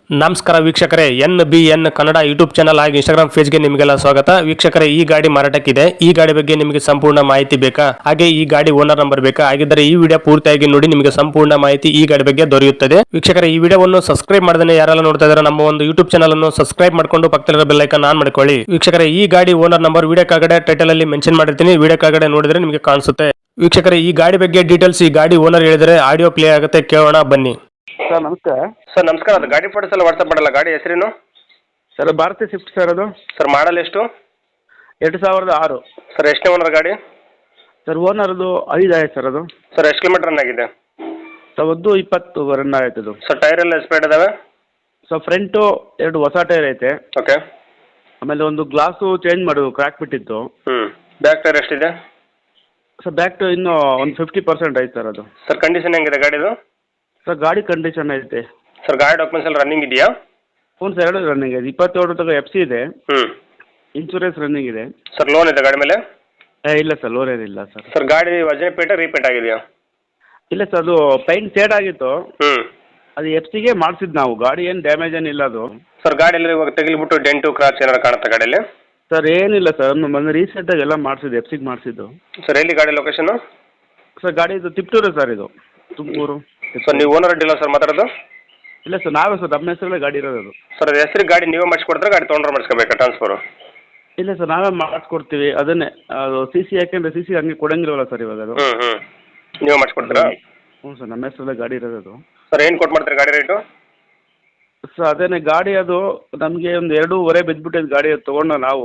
ನಮಸ್ಕಾರ ವೀಕ್ಷಕರೇ, NBN Kannada YouTube channel ಹಾಗೂ ಇನ್ಸ್ಟಾಗ್ರಾಮ್ ಪೇಜ್ ಗೆ ನಿಮಗೆಲ್ಲ ಸ್ವಾಗತ. ವೀಕ್ಷಕರೇ, ಈ ಗಾಡಿ ಮಾರಾಟಕ್ಕಿದೆ. ಈ ಗಾಡಿ ಬಗ್ಗೆ ನಿಮಗೆ ಸಂಪೂರ್ಣ ಮಾಹಿತಿ ಬೇಕಾ? ಹಾಗೆ ಈ ಗಾಡಿ ಓನರ್ ನಂಬರ್ ಬೇಕಾ? ಹಾಗಿದ್ದರೆ ಈ ವಿಡಿಯೋ ಪೂರ್ತಿಯಾಗಿ ನೋಡಿ, ನಿಮಗೆ ಸಂಪೂರ್ಣ ಮಾಹಿತಿ ಈ ಗಾಡಿ ಬಗ್ಗೆ ದೊರೆಯುತ್ತದೆ. ವೀಕ್ಷಕರೇ, ಈ ವಿಡಿಯೋವನ್ನು ಸಬ್ಸ್ಕ್ರೈಬ್ ಮಾಡದೇ ಯಾರೆಲ್ಲ ನೋಡ್ತಾ ಇದ್ದಾರೆ ನಮ್ಮ ಒಂದು ಯೂಟ್ಯೂಬ್ ಚಾನಲ್ ಅನ್ನು ಸಬ್ಸ್ಕ್ರೈಬ್ ಮಾಡ್ಕೊಂಡು ಪಕ್ಕದಲ್ಲಿರೋ ಬೆಲ್ ಐಕಾನ್ ಆನ್ ಮಾಡ್ಕೊಳ್ಳಿ. ವೀಕ್ಷಕರೇ, ಈ ಗಾಡಿ ಓನರ್ ನಂಬರ್ ವಿಡಿಯೋ ಕೆಳಗಡೆ ಟೈಟಲ್ ಅಲ್ಲಿ ಮೆನ್ಷನ್ ಮಾಡಿರ್ತೀನಿ, ವಿಡಿಯೋ ಕೆಳಗಡೆ ನೋಡಿದ್ರೆ ನಿಮಗೆ ಕಾಣಿಸುತ್ತೆ. ವೀಕ್ಷಕರೇ, ಈ ಗಾಡಿ ಬಗ್ಗೆ ಡೀಟೇಲ್ಸ್ ಈ ಗಾಡಿ ಓನರ್ ಹೇಳಿದರೆ ಆಡಿಯೋ ಪ್ಲೇ ಆಗುತ್ತೆ, ಕೇಳೋಣ ಬನ್ನಿ. ಸರ್ ನಮಸ್ತೆ. ಸರ್ ನಮಸ್ಕಾರ. ಅದು ಗಾಡಿ ಫೋಟೋಸ್ ಎಲ್ಲ ವಾಟ್ಸಪ್ ಮಾಡಲ್ಲ. ಗಾಡಿ ಹೆಸರೇನು ಸರ್? Bharati Swift sir. ಅದು ಸರ್ ಮಾಡಲ್ ಎಷ್ಟು? 2006 ಸರ್. ಎಷ್ಟನೇ ಓನರ್ ಗಾಡಿ? ಸರ್ ಓನರ್ದು 5 ಆಯ್ತು ಸರ್. ಅದು ಸರ್ ಎಷ್ಟು ಕಿಲೋಮೀಟರ್ ರನ್ ಆಗಿದೆ? ಸರ್ 20 ರನ್ ಆಯ್ತು ಅದು. ಸರ್ ಟೈರ್ ಎಲ್ಲ ಸ್ಪೇಡ್ ಇದಾವೆ? ಸರ್ ಫ್ರಂಟು 2 ಹೊಸ ಟೈರ್ ಐತೆ. ಓಕೆ. ಆಮೇಲೆ ಒಂದು ಗ್ಲಾಸು ಚೇಂಜ್ ಮಾಡೋದು, ಕ್ರ್ಯಾಕ್ ಬಿಟ್ಟಿತ್ತು. ಬ್ಯಾಕ್ ಟೈರ್ ಎಷ್ಟಿದೆ? ಸರ್ ಬ್ಯಾಕ್ ಇನ್ನೂ ಒಂದು 50% ಐತೆ ಸರ್ ಅದು. ಸರ್ ಕಂಡೀಷನ್ ಹೆಂಗಿದೆ ಗಾಡಿದು? ಸರ್ ಗಾಡಿ ಕಂಡೀಷನ್ ಐತೆ. ಸರ್ ಗಾಡಿ ಡಾಕ್ಯುಮೆಂಟ್ಸ್ ಎಲ್ಲ ರನ್ನಿಂಗ್ ಇದೆಯಾ? ಹ್ಞೂ ಸರ್, 2 ರನ್ನಿಂಗ್ ಇದೆ. 27 ತನಕ FC ಇದೆ. ಹ್ಞೂ. ಇನ್ಶೂರೆನ್ಸ್ ರನ್ನಿಂಗ್ ಇದೆ. ಸರ್ ಲೋನ್ ಇದೆ ಗಾಡಿ ಮೇಲೆ? ಇಲ್ಲ ಸರ್, ಲೋನ್ ಏನಿಲ್ಲ ಸರ್. ಸರ್ ಗಾಡಿ ವಜನೆ ಪೇಟ ರೀಪೇಂಟ್ ಆಗಿದೆಯಾ? ಇಲ್ಲ ಸರ್, ಅದು ಪೈಂಟ್ ಶೇಡ್ ಆಗಿತ್ತು. ಹ್ಞೂ. ಅದು FC ಗೆ ಮಾಡಿಸಿದ್ದು ನಾವು. ಗಾಡಿ ಏನು ಡ್ಯಾಮೇಜ್ ಏನಿಲ್ಲ ಅದು. ಸರ್ ಗಾಡಿಯಲ್ಲಿ ಇವಾಗ ತೆಗಿಲ್ಬಿಟ್ಟು ಡೆಂಟು ಕ್ರಾಚ್ ಏನಾರು ಕಾಣುತ್ತಾ ಗಾಡಿಯಲ್ಲಿ? ಸರ್ ಏನಿಲ್ಲ ಸರ್, ಮೊನ್ನೆ ರೀಸೆಂಟಾಗಿ ಎಲ್ಲ ಮಾಡಿಸಿದ್ದು, FC ಗೆ ಮಾಡಿಸಿದ್ದು. ಸರ್ ಎಲ್ಲಿ ಗಾಡಿ ಲೊಕೇಶನ್? ಸರ್ ಗಾಡಿ ಇದು ತಿಪ್ಟೂರು ಸರ್, ಇದು ತುಮಕೂರು. ಸರ್ ನೀವು ಓನರ್ ಡೀಲರ್ ಸರ್ ಮಾತಾಡೋದು? ಇಲ್ಲ ಸರ್, ನಾವೇ ಸರ್, ನಮ್ಮ ಹೆಸರಲ್ಲೇ ಗಾಡಿ ಇರೋದು ಅದು. ಸರ್ ಅದು ಹೆಸರಿಗೆ ಗಾಡಿ ನೀವೇ ಮಾಡಿಸ್ಕೊಡ್ತಾರೆ, ಗಾಡಿ ತೊಗೊಂಡ್ರೆ ಮಾಡಿಸ್ಕೋಬೇಕಾ ಟ್ರಾನ್ಸ್ಫರು? ಇಲ್ಲ ಸರ್, ನಾವೇ ಮಾಡಿಸ್ಕೊಡ್ತೀವಿ. ಅದನ್ನೇ ಅದು CC ಯಾಕೆಂದರೆ CC ಹಂಗೆ ಕೊಡಂಗಿಲ್ವಲ್ಲ ಸರ್ ಇವಾಗ ಅದು. ಹ್ಞೂ. ನೀವೇ ಮಾಡಿಸ್ಕೊಡ್ತೀರಾ? ಹ್ಞೂ ಸರ್, ನಮ್ಮ ಹೆಸರಲ್ಲೇ ಗಾಡಿ ಇರೋದು ಅದು. ಸರ್ ಏನು ಕೊಟ್ಟು ಮಾಡ್ತೀರಿ ಗಾಡಿ ರೇಟು? ಸರ್ ಅದೇನೇ ಗಾಡಿ ಅದು ನಮಗೆ ಒಂದು 2.5 ಬಿದ್ದುಬಿಟ್ಟಿದ್ದು ಗಾಡಿ ಅದು ತೊಗೊಂಡು ನಾವು.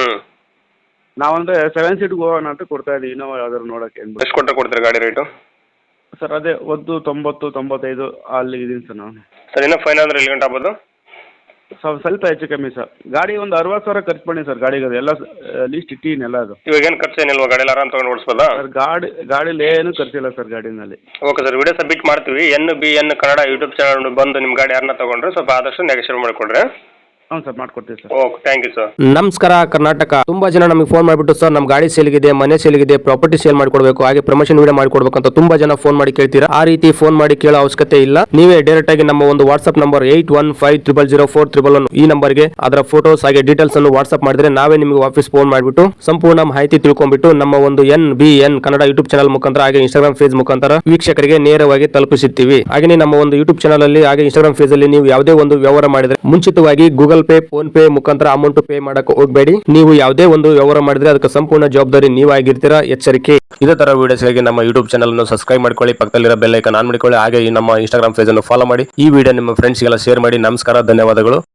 ನಾವಂದರೆ 7 ಸೀಟ್ಗೆ ಹೋಗೋಣ ಅಂತ ಕೊಡ್ತಾ ಇದ್ದೀವಿ. ಇನ್ನೋವಾ ಯಾವ್ದಾದ್ರು ನೋಡೋಕ್ಕೆ ಅಂದ್ಬಿಟ್ಟು. ಎಷ್ಟು ಕೊಟ್ಟರೆ ಕೊಡ್ತೀರಿ ಗಾಡಿ ರೇಟು? ಸರ್ ಅದೇ 90-95 ಅಲ್ಲಿ ಇದ್ದೀನಿ ಸರ್ ನಾನು. ಸರ್ ಇನ್ನೂ ಫೈನ್ ಅಂದರೆ ಎಲ್ಲಿ ಗಂಟೆ ಆಗ್ಬೋದು? ಸ್ವಲ್ಪ ಹೆಚ್ಚು ಕಮ್ಮಿ ಸರ್. ಗಾಡಿ ಒಂದು 60,000 ಖರ್ಚು ಮಾಡಿ ಸರ್ ಗಾಡಿಗೆ. ಅದು ಎಲ್ಲ ಲೀಸ್ಟ್ ಇಟ್ಟಿನ ಅದು. ಇವಾಗ ಏನು ಖರ್ಚು ಏನಿಲ್ವಾ ಗಾಡಿಯಲ್ಲಿ? ಆರಾಮ್ ತೊಗೊಂಡು ಓಡಿಸ್ಬೋದಾ? ಸರ್ ಗಾಡೀಲಿ ಏನು ಖರ್ಚಿಲ್ಲ ಸರ್ ಗಾಡಿನಲ್ಲಿ. ಓಕೆ ಸರ್, ವಿಡಿಯೋ ಸಬ್ಮಿಟ್ ಮಾಡ್ತೀವಿ. NBN ಕನ್ನಡ ಯೂಟ್ಯೂಬ್ ಚಾನಲ್ ಬಂದು ನಿಮ್ಮ ಗಾಡಿ ಯಾರನ್ನ ತೊಗೊಂಡ್ರೆ ಸ್ವಲ್ಪ ಆದಷ್ಟು ನೆಗೋಷಿಯೇಟ್ ಮಾಡಿಕೊಡ್ರಿ. ಹ್ಞೂ ಸರ್, ಮಾಡ್ಕೊಡ್ತೀವಿ sir. Okay, thank you sir. ನಮಸ್ಕಾರ ಕರ್ನಾಟಕ. ತುಂಬಾ ಜನ ನಮಗೆ ಫೋನ್ ಮಾಡಿಬಿಟ್ಟು ಸರ್ ನಮ್ಮ ಗಾಡಿ ಸೇಲ್ಗಿದೆ, ಮನೆ ಸೇಲ್ಗಿದೆ, ಪ್ರಾಪರ್ಟಿ ಸೇಲ್ ಮಾಡಿಕೊಡ್ಬೇಕು, ಹಾಗೆ ಪ್ರಮೋಷನ್ ವಿಡಿಯೋ ಮಾಡಿಕೊಡ್ಬೇಕು ಅಂತ ತುಂಬಾ ಜನ ಫೋನ್ ಮಾಡಿ ಕೇಳ್ತೀರಾ. ಆ ರೀತಿ ಫೋನ್ ಮಾಡಿ ಕೇಳೋ ಅವಶ್ಯಕತೆ ಇಲ್ಲ. ನೀವೇ ಡೈರೆಕ್ಟ್ ಆಗಿ ನಮ್ಮ ಒಂದು ವಾಟ್ಸ್ಆಪ್ ನಂಬರ್ 81500411 ಈ ನಂಬರ್ಗೆ ಅದರ ಫೋಟೋಸ್ ಹಾಗೆ ಡೀಟೇಲ್ಸ್ ಅನ್ನು ವಾಟ್ಸ್ಆಪ್ ಮಾಡಿದ್ರೆ ನಾವೇ ನಿಮಗೆ ವಾಪಸ್ ಫೋನ್ ಮಾಡಿಬಿಟ್ಟು ಸಂಪೂರ್ಣ ಮಾಹಿತಿ ತಿಳ್ಕೊಂಡ್ಬಿಟ್ಟು ನಮ್ಮ ಒಂದು NBN ಕನ್ನಡ ಯೂಟ್ಯೂಬ್ ಚಾನಲ್ ಮುಖಾಂತರ ಹಾಗೆ ಇನ್ಸ್ಟಾಗ್ರಾಮ್ ಪೇಜ್ ಮುಖಾಂತರ ವೀಕ್ಷಕರಿಗೆ ನೇರವಾಗಿ ತಲುಪಿಸುತ್ತೀವಿ. ಹಾಗೆ ನಮ್ಮ ಒಂದು ಯೂಟ್ಯೂಬ್ ಚಾನಲ್ ಅಲ್ಲಿ ಹಾಗೆ ಇನ್ಸ್ಟಾಗ್ರಾಮ್ ಪೇಜ್ ಅಲ್ಲಿ ನೀವು ಯಾವುದೇ ಒಂದು ವ್ಯವಹಾರ ಮಾಡಿದ್ರೆ ಮುಂಚಿತವಾಗಿ ಗೂಗಲ್ ಪೇ, ಫೋನ್ ಪೇ ಮುಖಾಂತರ ಅಮೌಂಟ್ ಪೇ ಮಾಡಕ್ಕೆ ಹೋಗಬೇಡಿ. ನೀವು ಯಾವುದೇ ಒಂದು ವ್ಯವಹಾರ ಮಾಡಿದ್ರೆ ಅದಕ್ಕೆ ಸಂಪೂರ್ಣ ಜವಾಬ್ದಾರಿ ನೀವಾಗಿರ್ತೀರಾ, ಎಚ್ಚರಿಕೆ. ಇದೇ ತರ ವಿಡಿಯೋಸ್ಗಾಗಿ ನಮ್ಮ ಯೂಟ್ಯೂಬ್ ಚಾನಲ್ ಅನ್ನು ಸಬ್ಸ್ಕ್ರೈಬ್ ಮಾಡ್ಕೊಳ್ಳಿ, ಪಕ್ಕದಲ್ಲಿರೋ ಬೆಲ್ ಐಕಾನ್ ಆನ್ ಮಾಡಿಕೊಳ್ಳಿ, ಹಾಗೆ ನಮ್ಮ ಇನ್ಸ್ಟಾಗ್ರಾಮ್ ಪೇಜ್ ಅನ್ನು ಫಾಲೋ ಮಾಡಿ. ಈ ವಿಡಿಯೋ ನಿಮ್ಮ ಫ್ರೆಂಡ್ಸ್ಗೆಲ್ಲ ಶೇರ್ ಮಾಡಿ. ನಮಸ್ಕಾರ, ಧನ್ಯವಾದಗಳು.